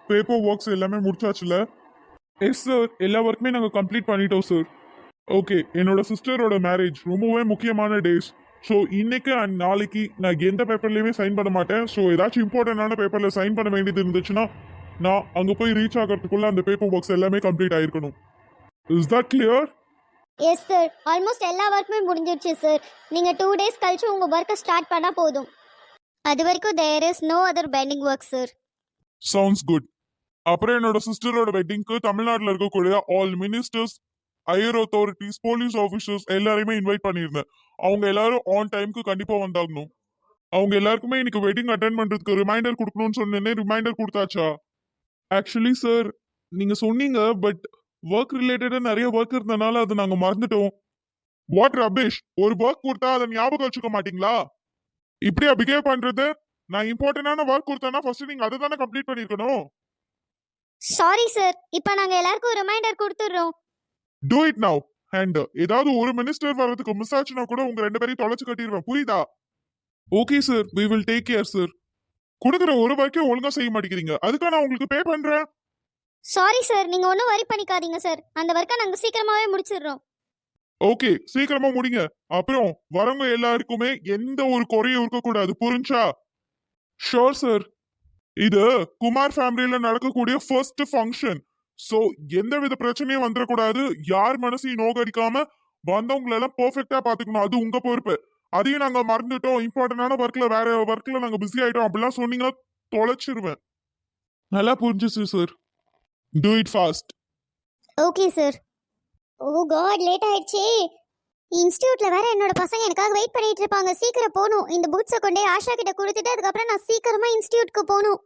Paper works எல்லாமே முடிச்சாச்சுல? Yes sir, எல்லா ஒர்க்குமே நாங்கள் கம்ப்ளீட் பண்ணிட்டோம் சார். ஓகே, என்னோட சிஸ்டரோட மேரேஜ் ரொம்பவே முக்கியமான டேஸ். ஸோ இன்னைக்கு அண்ட் நாளைக்கு நான் எந்த பேப்பர்லையுமே சைன் பண்ண மாட்டேன். ஸோ ஏதாச்சும் இம்பார்ட்டண்டான பேப்பரில் சைன் பண்ண வேண்டியது இருந்துச்சுன்னா நான் அங்கே போய் ரீச் ஆகிறதுக்குள்ள அந்த பேப்பர் ஒர்க்ஸ் எல்லாமே கம்ப்ளீட் ஆயிருக்கணும். Is that clear? Yes sir, almost எல்லா ஒர்க்குமே முடிஞ்சிருச்சு சார். நீங்கள் 2 days கழிச்சு உங்கள் ஒர்க்கை ஸ்டார்ட் பண்ணால் போதும். அது வரைக்கும் there is no other pending work sir. Sounds good. அப்புறம் என்னோட சிஸ்டரோட வெட்டிங்க்கு தமிழ்நாட்டில் இருக்கக்கூடிய all ministers, higher authorities, police officers எல்லாரையுமே இன்வைட் பண்ணியிருந்தேன். அவங்க எல்லாரும் ஆன் டைமுக்கு கண்டிப்பாக வந்தாகணும். அவங்க எல்லாருக்குமே இன்னைக்கு வெட்டிங் அட்டென்ட் பண்ணுறதுக்கு ரிமைண்டர் கொடுக்கணும்னு சொன்னேனே, ரிமைண்டர் கொடுத்தாச்சா? ஆக்சுவலி சார், நீங்கள் சொன்னீங்க, பட் ஒர்க் ரிலேட்டடாக நிறைய ஒர்க் இருந்தனால அதை நாங்கள் மறந்துட்டோம். What rubbish! ஒரு ஒர்க் கொடுத்தா அதை ஞாபகம் வச்சுக்க மாட்டீங்களா? இப்படியா பிஹேவ் பண்றது? நான் இம்பார்ட்டன்டான ஒர்க் கொடுத்தேன்னா ஃபர்ஸ்ட் நீங்க அதை தானே கம்ப்ளீட் பண்ணிருக்கணும். சாரி சார், இப்போ நாங்கள் எல்லாருக்கும் ரிமைண்டர் கொடுத்துட்றோம். Do it now. அண்ட் ஏதாவது ஒரு மினிஸ்டர் வர்றதுக்கு மிஸ் ஆச்சுன்னா கூட உங்க 2 பேரையும் தொலைச்சு கட்டிடுவேன், புரியுதா? Okay sir, we will take care sir. கொடுக்குற ஒரு ஒர்க்கையும் ஒழுங்கா செய்ய மாட்டேங்கிறீங்க, அதுக்காக நான் உங்களுக்கு பே பண்றேன். சாரி சார், நீங்கள் ஒன்றும் வரி பண்ணிக்காதீங்க சார். அந்த ஒர்க்கை நாங்கள் சீக்கிரமாகவே முடிச்சிடுறோம். ஓகே, சீக்கிரமா முடிங்க. அப்புறம் வரவங்க எல்லாருக்குமே எந்த ஒரு குறையும் இருக்கக்கூடாது, புரிஞ்சா? Sure sir. இது குமார் ஃபேமிலியில நடக்கக்கூடிய ஃபர்ஸ்ட் ஃபங்க்ஷன். சோ எந்த வித பிரச்சனையும் வந்துடக்கூடாது. யார் மனசையும் நோகடிக்காம வந்தவங்களை எல்லாம் பெர்ஃபெக்டா பாத்துக்கணும், அது உங்க பொறுப்பு. அதையும் நாங்க மறந்துட்டோம், இம்பார்ட்டன்டான ஒர்க்ல வேற ஒர்க்ல நாங்க பிஸி ஆயிட்டோம் அப்படிலாம் சொன்னீங்கன்னா தொலைச்சிருவேன். நல்லா புரிஞ்சுச்சு sir. Do it fast. Okay sir. Oh god, late ஆயிடுச்சு. இன்ஸ்டியூட்ல வேற என்னோட பசங்க எனக்காக வெயிட் பண்ணிட்டு இருப்பாங்க. சீக்கிரம் போகணும். இந்த புக்ஸை கொண்டே ஆஷா கிட்ட கொடுத்துட்டு அதுக்கப்புறம் நான் சீக்கிரமா இன்ஸ்டியூட்க்கு போகணும்.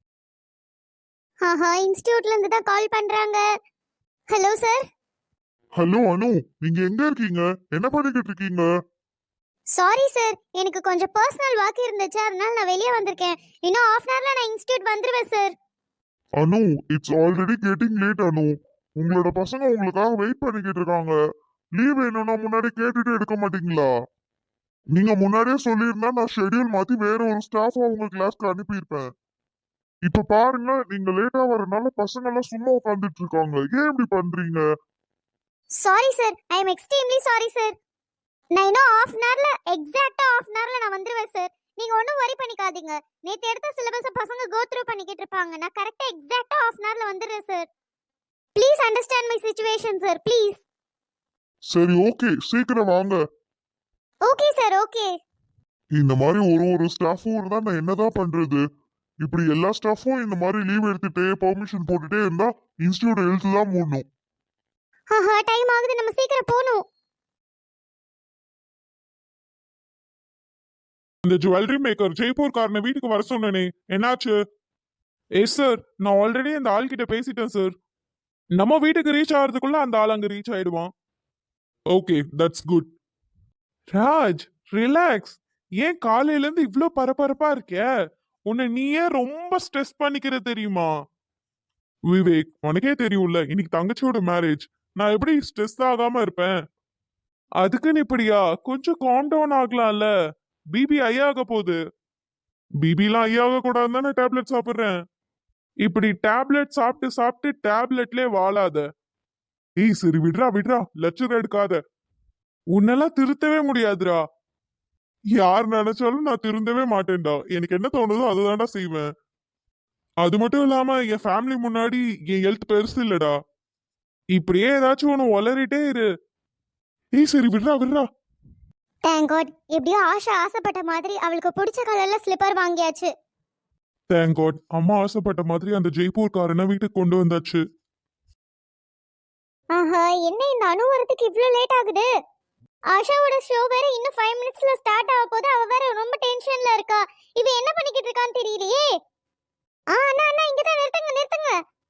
ஆஹா, இன்ஸ்டியூட்ல இருந்து தான் கால் பண்றாங்க. Hello sir. ஹலோ அனு, நீங்க எங்க இருக்கீங்க? என்ன பண்ணிக்கிட்டு இருக்கீங்க? சாரி சார், எனக்கு கொஞ்சம் பர்சனல் ஒர்க் இருந்துச்சு, அதனால நான் வெளியே வந்திருக்கேன். இன்னும் ½ hourல நான் இன்ஸ்டியூட் வந்துருவேன் sir. Anu, it's already getting late Anu. உங்களோட பசங்க உங்களுக்காக வெயிட் பண்ணிக்கிட்டு இருக்காங்க. லீவ் வேணும்னா முன்னாடி கேட்டுட்டு எடுக்க மாட்டீங்களா? நீங்க முன்னாடியே சொல்லியிருந்தா நான் ஷெட்யூல் மாத்தி வேற ஒரு ஸ்டாஃப் உங்க கிளாஸ்க்கு அனுப்பியிருப்பேன். இப்ப பாருங்க, நீங்க லேட்டா வரனால பசங்க எல்லாம் சும்மா உட்காந்துட்டு இருக்காங்க. ஏன் இப்படி பண்றீங்க? Sorry sir, I am extremely sorry sir. நான் இன்னும் எக்ஸாக்ட்டா ½ hourல நான் வந்துருவேன் சார். நீங்க ஒன்றும் வரி பண்ணிக்காதீங்க. நேத்து எடுத்த சிலபஸை பசங்க கோ த்ரூ பண்ணிக்கிட்டு இருப்பாங்க. நான் கரெக்டா எக்ஸாக்ட்டா ½ hourல வந்துடுறேன் sir. Please understand my situation sir, please. சரி, ஓகே, சீக்கிரம் வாங்க. Okay sir, okay. இந்த மாதிரி ஒரு ஸ்டாஃபும் இருந்தா நான் என்னதான் பண்றது? இப்படி எல்லா ஸ்டாஃபும் இந்த மாதிரி லீவ் எடுத்துட்டு பெர்மிஷன் போட்டுட்டே இருந்தா இன்ஸ்டியூட் எழுத்து தான் மூடணும். ஆஹா, டைம் ஆகுது, நம்ம சீக்கிரம் போகணும். இந்த ஜுவல்லரி மேக்கர் ஜெய்ப்பூர் காரனை வீட்டுக்கு வர சொன்னேனே, என்னாச்சு? எஸ் சார், நான் ஆல்ரெடி அந்த ஆள் கிட்ட பேசிட்டேன் சார். நம்ம வீட்டுக்கு ரீச் ஆகிறதுக்குள்ள அந்த ஆள் அங்க ரீச் ஆயிடுவான். Okay, that's good. Raj, relax. ஏன் காலையில இருந்து இவ்ளோ பரபரப்பா இருக்க? உன்னை நீயே ரொம்ப ஸ்ட்ரெஸ் பண்ணிக்கிற தெரியுமா? விவேக், உனக்கே தெரியும்ல, இன்னைக்கு தங்கச்சியோட மேரேஜ். நான் எப்படி ஸ்ட்ரெஸ் ஆகாம இருப்பேன்? அதுக்குன்னு இப்படியா? கொஞ்சம் காம் டவுன் ஆகலாம்ல. பிபி ஹை ஆக போகுது. பிபிலாம் ஹை ஆக கூடாதுன்னு தானே டேப்லெட் சாப்பிடுறேன். இப்படி டேப்லெட் சாப்பிட்டு சாப்பிட்டு டேப்லெட்லயே வாழாத. ஏய் சரி, விட்றா விட்றா, லட்சம் எடுக்காத. உன்னெல்லாம் திருத்தவே முடியாதுடா. யார் நினைச்சாலும் நான் திருந்தவே மாட்டேன்டா. எனக்கு என்ன தோணுதோ அதுதான்டா செய்வேன். அது மட்டும் இல்லாம என் ஃபேமிலி முன்னாடி என் ஹெல்த் பெருசு இல்லடா. இப்படியே ஏதாச்சும் ஒன்று ஒளறிட்டே இரு. ஏய் சரி, விட்றா விட்றா. தேங்க் காட், எப்படியோ ஆஷா ஆசைப்பட்ட மாதிரி அவளுக்கு பிடிச்ச கலர்ல ஸ்லிப்பர் வாங்கியாச்சு. தேங்க் காட், அம்மா ஆசைப்பட்ட மாதிரி அந்த ஜெய்ப்பூர் காரனை வீட்டுக்கு கொண்டு வந்தாச்சு. ஆஹா, என்ன இந்த அணு வரதுக்கு இவ்ளோ லேட் ஆகுது? ஆஷாவோட ஷோ வேற இன்னும் 5 minutesல ஸ்டார்ட் ஆக போகுது. அவ வேற ரொம்ப டென்ஷன்ல இருக்கா. இவ என்ன பண்ணிக்கிட்டு இருக்கான்னு தெரியலையே. அண்ணா அண்ணா, இங்க தான் நிறுத்துங்க நிறுத்துங்க.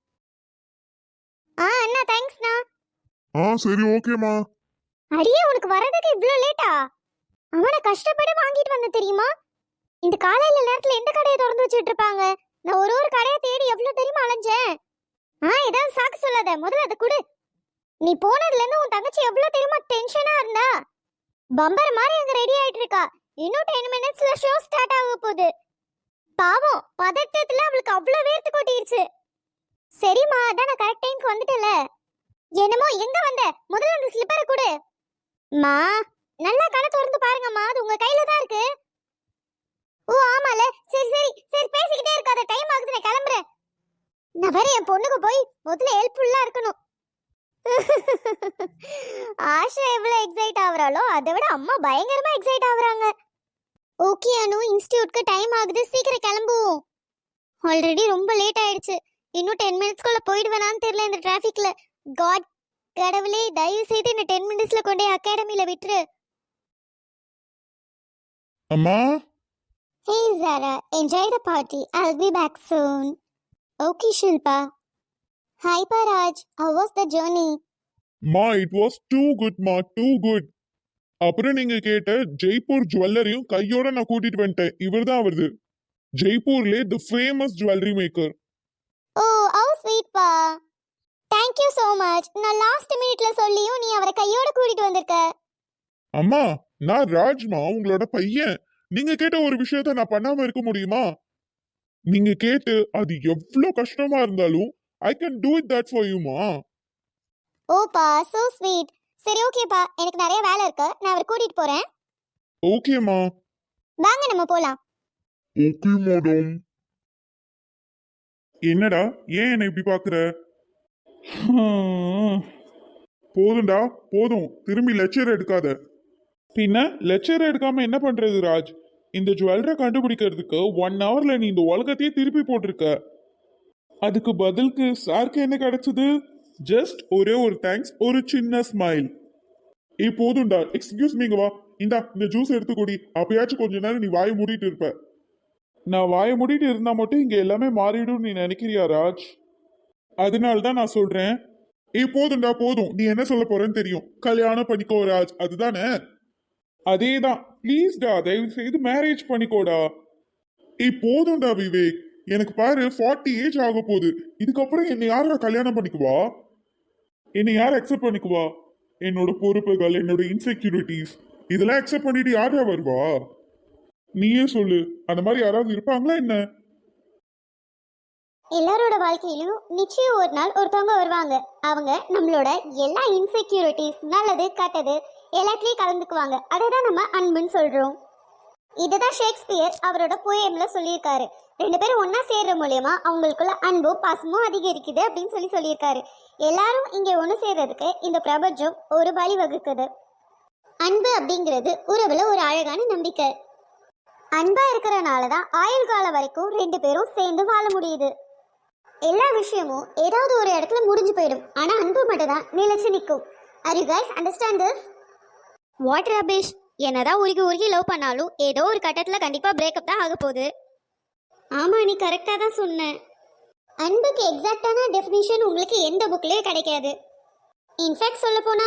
அண்ணா, தேங்க்ஸ்ண்ணா. சரி, ஓகேமா. அடியே, உனக்கு வரதுக்கு இவ்ளோ லேட்டா? அவனை கஷ்டப்பட்டு வாங்கிட்டு வந்த தெரியுமா? இந்த காலையில நேரத்துல எந்த கடையை திறந்து வச்சுட்டு இருப்பாங்க? நான் ஒரு கடையை தேடி எவ்வளவு தெரியுமா அலைஞ்சேன். ஏதாவது சாக்கு சொல்லாத, முதல்ல அதை கொடு. நீ போனதுல இருந்து உன் தங்கச்சி எவ்வளவு தெரியுமா டென்ஷனா இருந்தா? பம்பர் மாதிரி அங்க ரெடி ஆயிட்டு இருக்கா. இன்னும் 10 minutesல ஷோ ஸ்டார்ட் ஆக போகுது. பாவம், பதட்டத்துல அவளுக்கு அவ்வளவு வேர்த்து கொட்டிருச்சு. என்னம்மா அதான் நான் கரெக்ட் டைம்க்கு வந்துட்டல. என்னமோ எங்க வந்த? முதல்ல அந்த ஸ்லிப்பரை கொடு. மா நல்லா கடை திறந்து பாருங்கம்மா, அது உங்க கையில தான் இருக்கு. ஓ ஆமால, சரி சரி சரி பேசிக்கிட்டே இருக்காத, டைம் ஆகுது, நான் கிளம்புறேன். நான் வேற என் பொண்ணுக்கு போய் முதல்ல ஹெல்ப்ஃபுல்லா இருக்கணும். ஆஷா எவ்வளவு எக்ஸைட் ஆகுறாளோ அதை விட அம்மா பயங்கரமா எக்ஸைட் ஆகுறாங்க. ஓகே அனு, இன்ஸ்டிடியூட்க்கு டைம் ஆகுது, சீக்கிரம் கிளம்புவோம். ஆல்ரெடி ரொம்ப லேட் ஆயிடுச்சு. இன்னும் 10 மினிட்ஸ்க்குள்ள போயிடுவேனான்னு தெரியல இந்த டிராஃபிக்ல. காட் கடவுளே, தயவு செய்து என்ன 10 மினிட்ஸ்ல கொண்டே அகாடமில விட்டுரு. அம்மா hey Zara, enjoy the party. I'll be back soon. Okay Shilpa. Hi Paraj, how was the journey? மா இட் வாஸ் டூ குட் மா, டூ குட். அப்புறம் நீங்க கேட்ட ஜெய்ப்பூர் ஜுவல்லரியும் கையோட நான் கூட்டிட்டு வந்துட்டேன். இவர் தான் வருது, ஜெய்ப்பூர்லே the famous jewellery maker. Oh, how sweet pa. Thank you so much. நான் லாஸ்ட் மினிட்ல சொல்லியும் நீ அவரை கையோட கூட்டிட்டு வந்திருக்க. அம்மா நான் ராஜ்மா, உங்களோட பையன். நீங்க கேட்ட ஒரு விஷயத்த நான் பண்ணாம இருக்க முடியுமா? நீங்க கேட்டு அது எவ்வளவு கஷ்டமா இருந்தாலும் I can do it that for you மா. ஓப்பா, so sweet. சரி ஓகேப்பா, எனக்கு நிறைய வேலை இருக்கு, நான் அவரை கூட்டிட்டு போறேன். ஓகேமா. வாங்க நம்ம போலாம். Okay madam. என்னடா ஏன் என்ன இப்படி பாக்குற? போதும்டா போதும், திரும்பி லெக்சர் எடுக்காத. பின்ன லெக்சர் எடுக்காம என்ன பண்றது ராஜ்? இந்த ஜுவல்லரை கண்டுபிடிக்கிறதுக்கு 1 ஹவர்ல நீ இந்த உலகத்தையே திருப்பி போட்டிருக்க. அதுக்கு பதிலுக்கு சாருக்கு என்ன கிடைச்சது? ஜஸ்ட் ஒரே ஒரு தேங்க்ஸ், ஒரு சின்ன ஸ்மைல். போதும்டா, எக்ஸ்கியூஸ் மீங்க வா, இந்த ஜூஸ் எடுத்து குடி. அப்பயாச்சும் கொஞ்ச நேரம் நீ வாயை மூடிட்டு இருப்ப. நான் வாயை மூடிட்டு இருந்தா மட்டும் இங்க எல்லாமே மாறிடும் நீ நினைக்கிறியா ராஜ்? அதனால தான் நான் சொல்றேன். போதும்டா போதும், நீ என்ன சொல்ல போறேன்னு தெரியும். கல்யாணம் பண்ணிக்கோ ராஜ், அதுதானே? அதேதான், ப்ளீஸ்டா தயவு செய்து மேரேஜ் பண்ணிக்கோடா. போதும்டா விவேக், எனக்கு பாரு 40 ஏஜ் ஆக போகுது. இதுக்கப்புறம் என்னை யாரா கல்யாணம் பண்ணிக்குவா? என்னை யார் அக்செப்ட் பண்ணிக்குவா? என்னோட பொறுப்புகள், என்னோட இன்செக்யூரிட்டிஸ் இதெல்லாம் அக்செப்ட் பண்ணிட்டு யாரா வருவா? நீயே சொல்லு, அந்த மாதிரி யாராவது இருப்பாங்களா என்ன? எல்லாரோட வாழ்க்கையிலும் நிச்சயம் ஒரு நாள் ஒருத்தவங்க வருவாங்க. அவங்க நம்மளோட எல்லா இன்செக்யூரிட்டிஸ், நல்லது கெட்டது எல்லாத்துலயும் கலந்துக்குவாங்க. அதை தான் நம்ம அன்புன்னு சொல்றோம். இதுதான் ஷேக்ஸ்பியர் அவரோட போயம்ல சொல்லியிருக்காரு. 2 பேரும் ஒன்னா சேர்ற மூலியமா அவங்களுக்குள்ள அன்பும் பாசமும் அதிகரிக்குது அப்படின்னு சொல்லியிருக்காரு. எல்லாரும் இங்க ஒன்று சேர்றதுக்கு இந்த பிரபஞ்சம் ஒரு வழி வகுக்குது. அன்பு அப்படிங்கிறது உறவுல ஒரு அழகான நம்பிக்கை. அன்பா இருக்கிறனால தான் ஆயுள் காலம் வரைக்கும் 2 பேரும் சேர்ந்து வாழ முடியுது. எல்லா விஷயமும் ஏதாவது ஒரு இடத்துல முடிஞ்சு போயிடும், ஆனா அன்பு மட்டும் தான் நிலைச்சு நிற்கும். Are you guys understand this? What rubbish. என்னதான் உருகி லவ் பண்ணாலும் ஏதோ ஒரு கட்டத்துல கண்டிப்பா பிரேக்கப் தான் ஆக போகுது. ஆமா, நீ கரெக்டா தான் சொன்ன. அன்புக்கு எக்ஸாக்டான டெஃபினிஷன் உங்களுக்கு எந்த புக்லயே கிடைக்காது. இன்ஃபேக்ட் சொல்ல போனா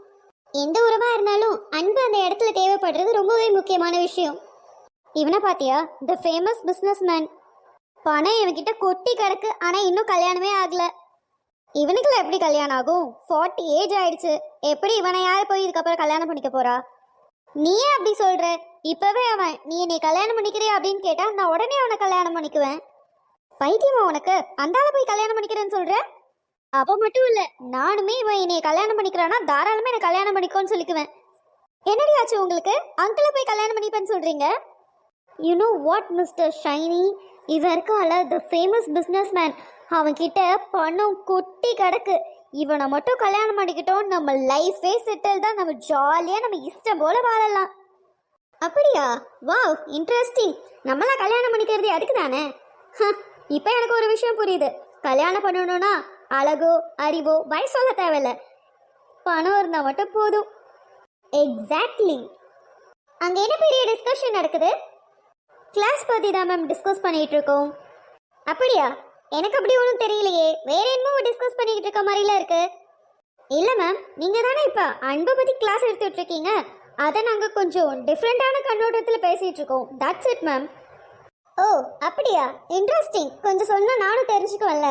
எந்த உறவா இருந்தாலும் அன்பு அந்த இடத்துல தேவைப்படுறது ரொம்பவே முக்கியமான விஷயம். இவனை பாத்தியா, த ஃபேமஸ் பிஸ்னஸ் மேன். பணம் இவன்கிட்ட கொட்டி கிடக்கு, ஆனா இன்னும் கல்யாணமே ஆகல. இவனுக்குள்ள எப்படி கல்யாணம் ஆகும்? 40 ஏஜ் ஆயிடுச்சு. எப்படி இவனை யாரு போய் இதுக்கப்புறம் கல்யாணம் பண்ணிக்க போறா? நீயே அப்படி சொல்ற. இப்பவே அவன் நீ என்னை கல்யாணம் பண்ணிக்கிறியா அப்படின்னு கேட்டா நான் உடனே அவனை கல்யாணம் பண்ணிக்குவேன். பைத்தியமா உனக்கு? அந்தால போய் கல்யாணம் பண்ணிக்கிறேன்னு சொல்ற? அப்ப மட்டும் இல்ல, நானுமே இவன் என்னை கல்யாணம் பண்ணிக்கிறானா தாராளமா என்னை கல்யாணம் பண்ணிக்கோன்னு சொல்லிக்குவேன். என்னடி ஆச்சு உங்களுக்கு? அங்கிள போய் கல்யாணம் பண்ணிப்பேன்னு சொல்றீங்க? You know what mister Shiny, இவன் இருக்கான்ல த ஃபேமஸ் பிஸ்னஸ் மேன், அவன்கிட்ட பணம் கொட்டி கிடக்கு. இவனை மட்டும் கல்யாணம் பண்ணிக்கிட்டோம், நம்ம லைஃபே செட்டில் தான். நம்ம ஜாலியாக நம்ம இஷ்டம் போல வாழலாம். அப்படியா? Wow, interesting. நம்மளாம் கல்யாணம் பண்ணிக்கிறது அதுக்கு தானே. இப்போ எனக்கு ஒரு விஷயம் புரியுது. கல்யாணம் பண்ணணும்னா அழகோ அறிவோ வயசு சொல்ல தேவையில்ல, பணம் இருந்தால் மட்டும் போதும். எக்ஸாக்ட்லி. அங்கே என்ன பெரிய டிஸ்கஷன் நடக்குது? கிளாஸ் பற்றி தான் மேம் டிஸ்கஸ் பண்ணிகிட்டு இருக்கோம். அப்படியா? எனக்கு அப்படி ஒன்றும் தெரியலையே, வேற என்னமோ டிஸ்கஸ் பண்ணிக்கிட்டு இருக்க மாதிரிலாம் இருக்கு. இல்லை மேம், நீங்கள் தானே இப்போ அன்பை பற்றி கிளாஸ் எடுத்துகிட்டு இருக்கீங்க, அதை நாங்கள் கொஞ்சம் டிஃப்ரெண்ட்டான கண்ணோட்டத்தில் பேசிகிட்டு இருக்கோம். That's it ma'am. ஓ அப்படியா, இன்ட்ரெஸ்டிங். கொஞ்சம் சொன்னால் நானும் தெரிஞ்சுக்குவேன்ல.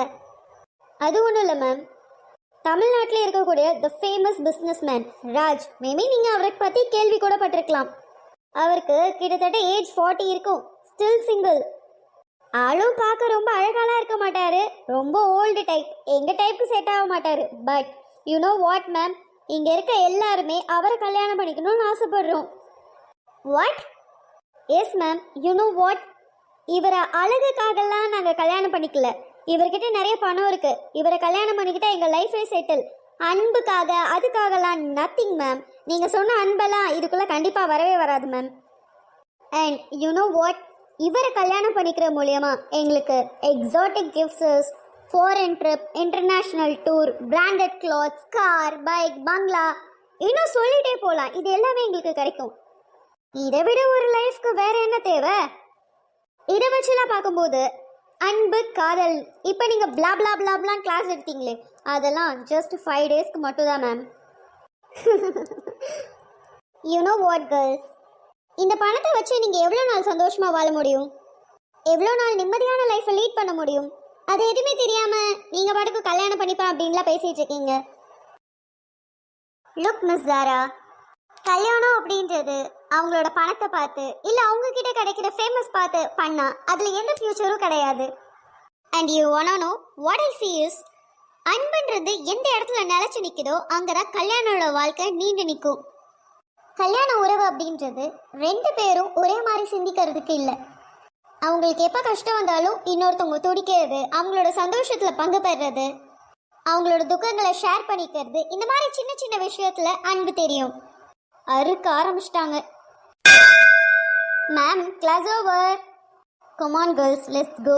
அது ஒன்றும் இல்லை மேம், தமிழ்நாட்டில் இருக்கக்கூடிய the famous business man Raj, maybe நீங்கள் அவரை பற்றி கேள்வி கூட பட்டிருக்கலாம். அவருக்கு கிட்டத்தட்ட ஏஜ் 40 இருக்கும், ஸ்டில் சிங்கிள். ஆளும் பார்க்க ரொம்ப அழகாலாம் இருக்க மாட்டாரு, ரொம்ப ஓல்டு டைப், எங்க டைப்புக்கு செட் ஆக மாட்டாரு. But you know what ma'am, இங்க இருக்க எல்லாருமே அவரை கல்யாணம் பண்ணிக்கணும்னு ஆசைப்படுறோம். What? Yes ma'am, you know what, இவரை அழகுக்காகலாம் நாங்கள் கல்யாணம் பண்ணிக்கல. இவர்கிட்ட நிறைய பணம் இருக்கு. இவரை கல்யாணம் பண்ணிக்கிட்டா எங்கள் லைஃபே செட்டில். அன்புக்காக அதுக்காகலாம் நத்திங் மேம். நீங்கள் சொன்ன அன்பெல்லாம் இதுக்குள்ளே கண்டிப்பாக வரவே வராது ma'am. And you know what, இவரை கல்யாணம் பண்ணிக்கிற மூலியமா எங்களுக்கு exotic gifts, foreign trip, international tour, branded clothes, car, bike, bungalow, இன்னும் சொல்லிட்டே போகலாம். இது எல்லாமே எங்களுக்கு கிடைக்கும். இதை விட ஒரு லைஃப்க்கு வேற என்ன தேவை? இதை வச்சுலாம் பார்க்கும்போது அன்பு, காதல், இப்போ நீங்கள் பிளா பிளா பிளாப்லாம் கிளாஸ் எடுத்தீங்களே, அதெல்லாம் ஜஸ்ட் 5 டேஸ்க்கு மட்டும் தான் ma'am. You know what girls, இந்த பணத்தை வச்சு நீங்கள் எவ்வளோ நாள் சந்தோஷமாக வாழ முடியும்? எவ்வளோ நாள் நிம்மதியான லைஃப்பை லீட் பண்ண முடியும்? அது எதுவுமே தெரியாமல் நீங்கள் பாட்டுக்கு கல்யாணம் பண்ணிப்பேன் அப்படின்லாம் பேசிகிட்டு இருக்கீங்க. லுக் மிஸ் ஜாரா, கல்யாணம் அப்படின்றது அவங்களோட பணத்தை பார்த்து இல்லை அவங்க கிட்ட கிடைக்கிற ஃபேமஸ் பார்த்து பண்ணா அதில் எந்த ஃபியூச்சரும் கிடையாது. And you wanna know what I see is, அன்புன்றது எந்த இடத்துல நிலச்சி நிற்குதோ அங்கே தான் கல்யாணோட வாழ்க்கை நீண்டு நிற்கும். கல்யாண உறவு அப்படின்றது 2 பேரும் ஒரே மாதிரி சிந்திக்கிறதுக்கு இல்லை. அவங்களுக்கு எப்போ கஷ்டம் வந்தாலும் இன்னொருத்தவங்க துடிக்கிறது, அவங்களோட சந்தோஷத்தில் பங்கு பெறுறது, அவங்களோட துக்கங்களை ஷேர் பண்ணிக்கிறது, இந்த மாதிரி சின்ன சின்ன விஷயத்தில் அன்பு தெரியும். அறுக்க ஆரம்பிச்சிட்டாங்க. Ma'am, class over. Come on girls, let's go.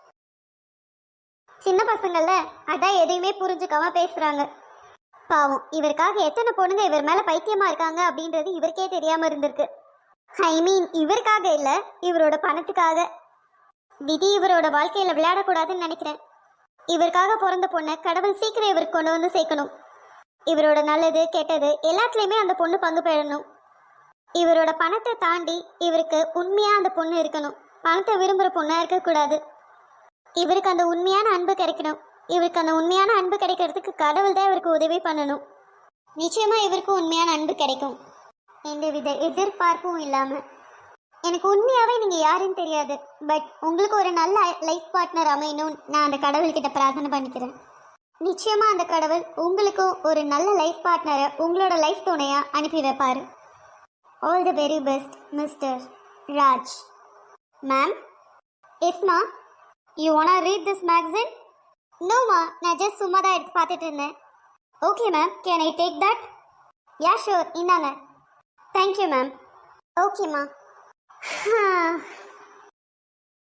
சின்ன பசங்கள அதான் எதையுமே புரிஞ்சுக்காம பேசுறாங்க. பாவம், இவருக்காக எத்தனை பொண்ணுங்க இவர் மேல பைத்தியமா இருக்காங்க அப்படின்றது இவருக்கே தெரியாம இருந்திருக்கு. ஐ மீன், இவருக்காக இல்ல, இவரோட பணத்துக்காக. விதி இவரோட வாழ்க்கையில விளையாடக்கூடாதுன்னு நினைக்கிறேன். இவருக்காக பிறந்த பொண்ணை கடவுள் சீக்கிரம் இவருக்கு கொண்டு வந்து சேர்க்கணும். இவரோட நல்லது கெட்டது எல்லாத்துலேயுமே அந்த பொண்ணு பங்கு பெறணும். இவரோட பணத்தை தாண்டி இவருக்கு உண்மையாக அந்த பொண்ணு இருக்கணும். பணத்தை விரும்புகிற பொண்ணாக இருக்கக்கூடாது. இவருக்கு அந்த உண்மையான அன்பு கிடைக்கணும். இவருக்கு அந்த உண்மையான அன்பு கிடைக்கிறதுக்கு கடவுள் தான் இவருக்கு உதவி பண்ணணும். நிச்சயமாக இவருக்கும் உண்மையான அன்பு கிடைக்கும், எந்தவித எதிர்பார்ப்பும் இல்லாமல். எனக்கு உண்மையாகவே நீங்கள் யாருன்னு தெரியாது, பட் உங்களுக்கு ஒரு நல்ல லைஃப் பார்ட்னர் அமையணும்னு நான் அந்த கடவுள்கிட்ட பிரார்த்தனை பண்ணிக்கிறேன். நிச்சயமாக அந்த கடவுள் உங்களுக்கும் ஒரு நல்ல லைஃப் பார்ட்னரை உங்களோட லைஃப் துணையாக அனுப்பி வைப்பார். All the very best mister Raj. Ma'am, எஸ்மா, you wanna read this magazine? நோமா, நான் ஜஸ்ட் சும்மா தான் எடுத்து பார்த்துட்டு இருந்தேன். Okay ma'am, can I take that? Yeah sure, இந்தாங்க. Thank you ma'am. ஓகேம்மா.